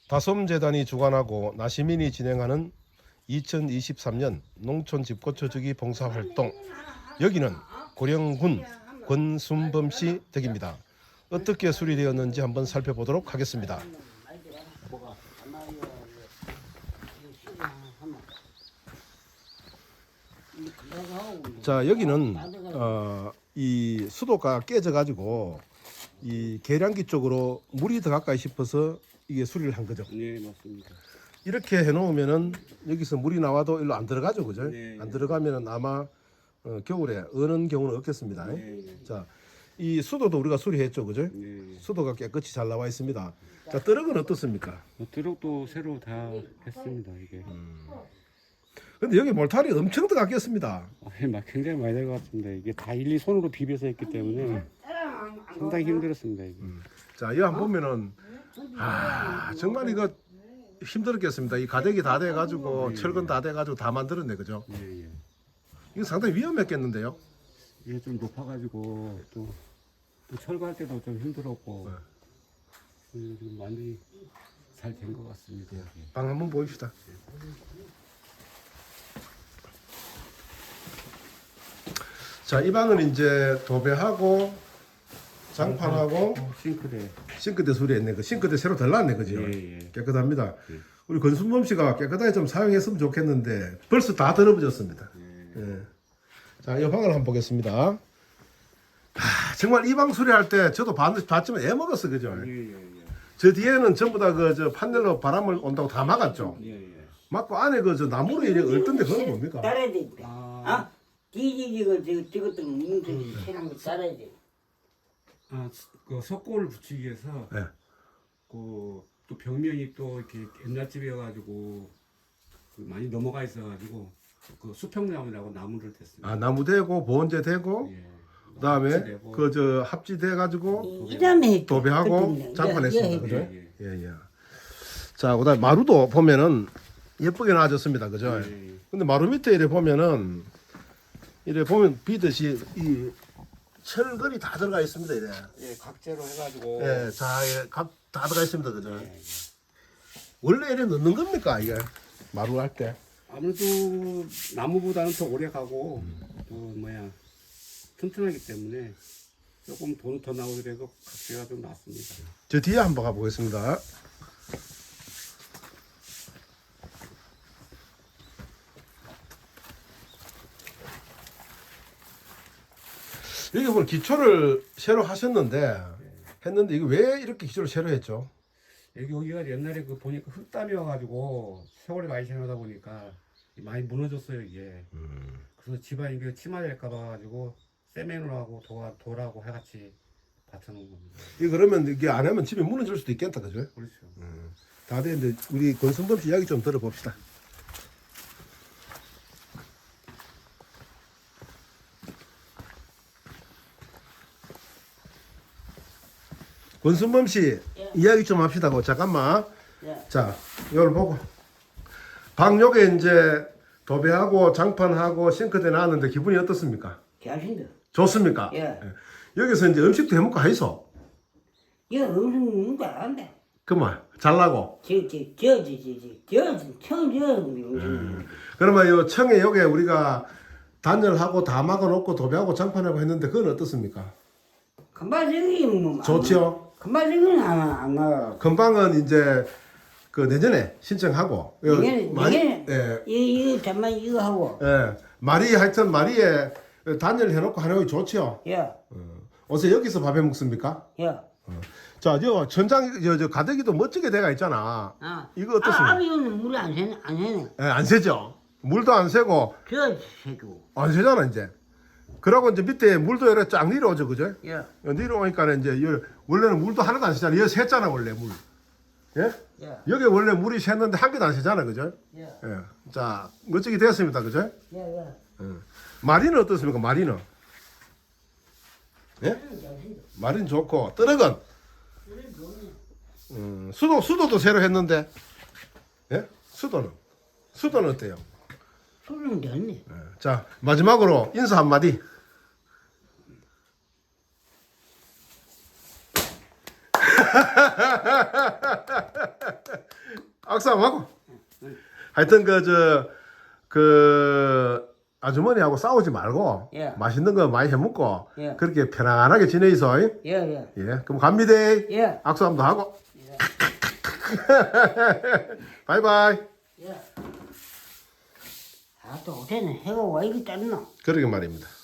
다솜재단이 주관하고 나시민이 진행하는 2023년 농촌 집고쳐 주기 봉사활동. 여기는 고령군 권순범씨 댁입니다. 어떻게 수리되었는지 한번 살펴보도록 하겠습니다. 자, 여기는 이 수도가 깨져 가지고 이 계량기 쪽으로 물이 더 가까이 싶어서 이게 수리를 한 거죠. 네, 맞습니다. 이렇게 해놓으면은 여기서 물이 나와도 일로 안 들어가죠, 그죠? 네, 안 들어가면은 아마 겨울에 어는 경우는 없겠습니다. 네. 자, 이 수도도 우리가 수리했죠, 그죠? 네. 수도가 깨끗이 잘 나와 있습니다. 자, 뜨럭은 어떻습니까? 드럭도 새로 다 했습니다, 이게. 근데 여기 몰탈이 엄청 들어갔겠습니다. 굉장히 많이 될 것 같습니다. 이게 다 일일이 손으로 비벼서 했기 때문에 상당히 힘들었습니다, 이게. 자, 이거 한번 보면은 정말 이거 힘들었겠습니다. 이 가닥이 다 돼가지고 철근 다 돼가지고 다 만들었네, 그죠? 예, 예. 이거 상당히 위험했겠는데요. 이게 좀 높아가지고 또 철거할 때도 좀 힘들었고 지금 많이 잘 된 것 같습니다. 방 한번 보입시다. 자, 이 방은 이제 도배하고 장판하고 싱크대 수리했네. 그 싱크대 새로 달랐네, 그죠? 예, 예. 깨끗합니다. 예. 우리 권순범 씨가 깨끗하게 좀 사용했으면 좋겠는데 벌써 다 더러워졌습니다. 예. 자, 이 방을 한번 보겠습니다. 정말 이 방 수리할 때 저도 봤지만 애먹었어, 그죠? 예, 예, 저 뒤에는 전부 다 그 저 판넬로 바람을 온다고 다 막았죠. 예, 예. 막고 안에 그 저 나무로 이래 얼던데 그건 뭡니까? 따라야 돼. 아, 뒤지고 저것도 뭉쳐지 세상 거 따라야 돼. 그 석고를 붙이기 위해서 예. 또 벽면이 또 이렇게 옛날 집이어가지고 많이 넘어가 있어가지고 그 수평나무라고 나무를 댔습니다. 나무 대고 보온재 대고 예. 그다음에 합치되고. 그 저 합지돼 가지고 이담에 도배하고 장판했습니다. 그죠? 예, 예. 자, 그다음 마루도 보면은 예쁘게 나와졌습니다. 그죠? 예, 예. 근데 마루 밑에 이래 보면은 이래 보면 비듯이 이 철근이 다 들어가 있습니다. 이래. 예, 각재로 해가지고. 예, 자, 다 들어가 있습니다. 그죠? 예, 예. 원래 이래 넣는 겁니까 이게 마루 할 때? 아무래도 나무보다는 더 오래 가고 또 튼튼하기 때문에 조금 돈 더 나오더라도 각재가 좀 낫습니다. 저 뒤에 한번 가보겠습니다. 여기 보면 기초를 새로 하셨는데 했는데 이거 왜 이렇게 기초를 새로 했죠? 여기가 옛날에 보니까 흙담이어가지고 세월이 많이 지나다 보니까 많이 무너졌어요 이게. 그래서 집안이 이게 침하될까 봐가지고 세멘으로 하고 돌하고 해같이 받쳐놓은 겁니다. 이 그러면 이게 안 하면 집이 무너질 수도 있겠다, 그죠? 그렇죠. 다 됐는데 우리 권순범 씨 이야기 좀 들어봅시다. 권순범 씨 이야기 좀 합시다. 잠깐만. 예. 자, 이걸 보고 방 요게 이제 도배하고 장판하고 싱크대 나왔는데 기분이 어떻습니까? 잘신다. 좋습니까? 예. 여기서 이제 음식도 해먹고 하이소. 야, 음식 먹는 거 안 돼. 그만 잘라고. 청저. 그러면 요 청에 요게 우리가 단열하고 다 막아놓고 도배하고 장판하고 했는데 그건 어떻습니까? 금방지기 뭐. 좋지요. 금방지기는 안 가. 금방은 이제 그 내년에 신청하고 내년에 예, 이거 잠만 이거 하고. 예. 말이 하여튼 말이에 단열해놓고 하는 게 좋지요. 야, 어서 여기서 밥해 먹습니까? 야. 자, 저 천장 저 가대기도 멋지게 돼가 있잖아. 이거 어떻습니까? 이거는 물안 새네, 안 새네. 예, 안 새죠. 물도 안 새고 저 새고. 안 새잖아 이제. 그러고 이제 밑에 물도 이렇게 쫙 내려오죠, 그죠? 야, 내려오니까 이제 원래는 물도 하나도 안 새잖아. 여기 샜잖아 원래 물. 예? 야, 여기 원래 물이 샜는데 한 개도 안 새잖아, 그죠? 야, 예. 자, 멋지게 됐습니다, 그죠? 야, 야. 마리는 어떻습니까, 마리는? 예? 마리는 좋고, 뜨럭은? 수도도 새로 했는데, 예? 수도는 어때요? 소름 됐네. 예. 자, 마지막으로 인사 한마디. 악수 한번 하고. 하여튼 그 아주머니하고 싸우지 말고 예. 맛있는 거 많이 해 먹고 예. 그렇게 편안하게 지내이소. 예, 예. 예, 그럼 갑니다. 예. 악수 한번 더 하고. 예. 바이바이. 예. 아, 또 어제는 해가 왜 이리 짰노? 그러게 말입니다.